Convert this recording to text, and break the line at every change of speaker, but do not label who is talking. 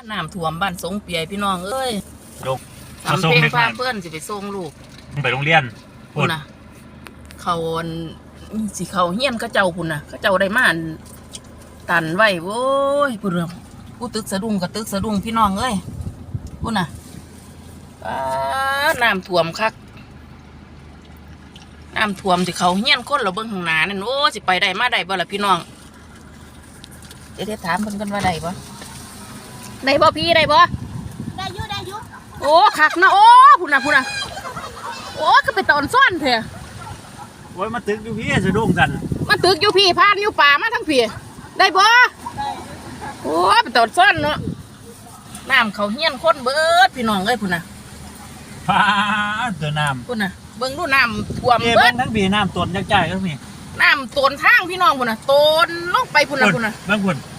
น้ำท่วมบ้านสงเปียพี่น้องเอ้ย
ลง
ทำเพลงพาเพื่อนสิไปส่งลูก
ไปโรงเรียน
พุ่นน่ะเขาสิเขาเฮียนเขาเจ้าพุ่นน่ะเขาเจ้าได้มาตันไว้โว้ยพุ่นเรื่องกูตึกสะดุ้งกับตึกสะดุ้งพี่น้องเอ้ยพุ่นน่ะน้ำท่วมคักน้ำท่วมสิเขาเฮียนคนเราเบิ่งข้างหน้านั่นโอ้สิไปได้มาได้บ่ล่ะพี่น้องเดี๋ยวถามเพิ่นกันว่าได้บ่พี่ได้บ่
ได้ยุ
โอ้คักนะโอ้พุ่นน่ะโอ้ก็ไปตอนซ่อนเถอะ
โอ้ยมาตึกอยู่พี่สะดุ้งกัน
มาตึกอยู่พี่พานอยู่ป่ามาทั้งพี่ได้บ่โอ้ไปตอนซ่อนเนาะน้ำเขาเฮียนคนเบิดพี่น้องเอ้ยพุ่นน่ะ
ฟ้าตัวน้ำ
พุ่นน่ะเบิ่งดูน้ำท่วม
เบิ้งทั้งปีน้ำต้นยักษ์ใหญ่ก็มี
น้ำต้นทางพี่น้องพุ่นน่ะต้นลงไปพุ่นน่ะ
บางคน